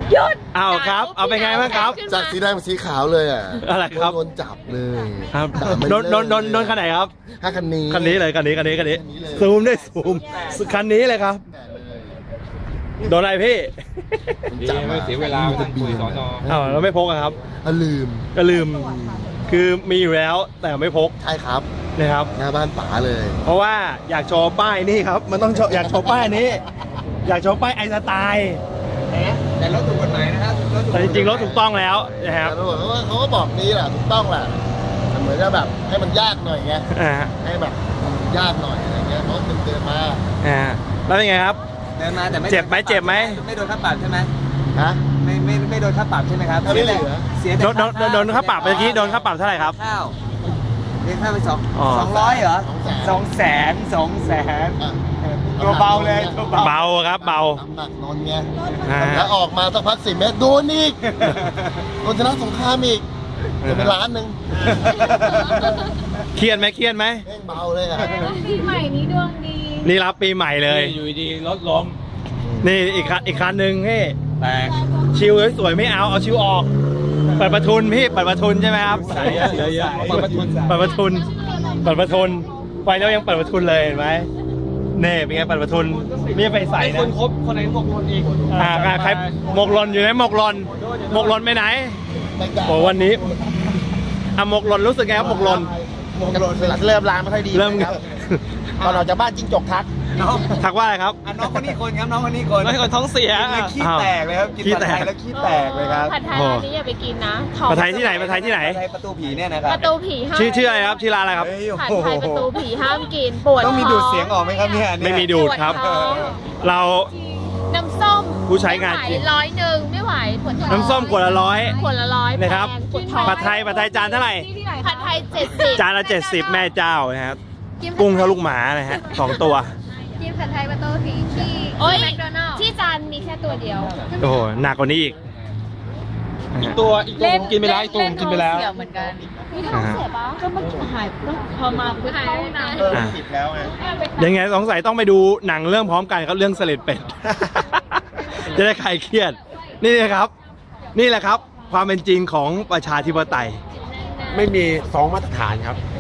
หยุดอ้าวครับเอาเป็นไงบ้างครับจากสีแดงเป็นสีขาวเลยอ่ะอะไรครับโดนจับเลยครับโดนคันไหนครับคันนี้เลยคันนี้ซูมได้ซูมคันนี้เลยครับโดนอะไรพี่ไม่เสียเวลาไปคุยสอนอเราไม่พกครับลืมคือมีอยู่แล้วแต่ไม่พกใช่ครับนะครับหน้าบ้านป๋าเลยเพราะว่าอยากโชว์ป้ายนี่ครับมันต้องอยากโชว์ป้ายนี้อยากโชว์ป้ายไอสไตล์แต่รถถูกกฎหมายนะครับแต่จริงๆรถถูกต้องแล้วนะครับเขาก็บอกนี้แหละถูกต้องแหละเหมือนจะแบบให้มันยากหน่อยไงให้แบบยากหน่อยอะไรเงี้ยเพราะเดินมาแล้วเป็นไงครับเดินมาแต่ไม่เจ็บไหมไม่โดนค่าปรับใช่ไหมฮะไม่โดนค่าปรับใช่ไหมครับไม่เหลือโดนค่าปรับเมื่อกี้โดนค่าปรับเท่าไหร่ครับเรียกค่าไป200เหรอ200,000ตัวเบาเลยเบาครับเบาหนักนนไงแล้วออกมาสักพัก10 เมตรโดนอีกโดนชนะสงครามอีกจะเป็นล้านหนึ่งเครียดไหมเบาเลยอ่ะปีใหม่นี้ดวงดีนี่รับปีใหม่เลยอยู่ดีรถล้มนี่อีกคันหนึ่งพี่แต่ชิวสวยไม่เอาชิวออกเปิดประทุนพี่เปิดประทุนใช่ไหมครับเยอะเปิดประทุนไฟแล้วยังเปิดประทุนเลยเห็นไหมเน่เป็นไงเปิดประทุนนี่ไปใส่นะคนครบคนไหนหมกลนอีกใครหมกลนอยู่ไหนหมกลนไปไหนโอ้วันนี้หมกลนรู้สึกไงครับหมกลนเริ่มล้างไม่ค่อยดีครับตอนเราจะบ้านจิ้งจกทักว่าอะไรครับน้องคนนี้คนครับน้องคนนี้คนท้องเสียขี้แตกเลยครับกินผัดไทยแล้วขี้แตกเลยครับผัดไทยร้านนี้อย่าไปกินนะผัดไทยที่ไหนประตูผีเนี่ยนะครับประตูผีห้ามชื่ออะไรครับชื่อร้านอะไรครับผัดไทยประตูผีห้ามกินปวดต้องมีดูดเสียงออกไหมครับเนี่ยไม่มีดูดครับเราน้ำส้มผู้ใช้งาน 100ไม่ไหวปวดท้องน้ำส้มขวดละ 100 นะครับผัดไทยจานเท่าไหร่ผัดไทย70 จานละ70แม่เจ้านะครับกุ้งเท่าลูกหมานะฮะ2 ตัวกินผัดไทยประตูผีที่แมคโดนัลด์ที่จานมีแค่ตัวเดียวโอ้โหหนักกว่านี้อีกตัวกินไปแล้วตัวกินไปแล้วเหมือนกันมีท้องเสียปะก็มันหายพอมาปุ๊บหายนะติดแล้วไงยังไงสงสัยต้องไปดูหนังเรื่องพร้อมกันครับเรื่องเสลดเป็ดจะได้คลายเครียดนี่แหละครับความเป็นจริงของประชาธิปไตยไม่มี2 มาตรฐานครับ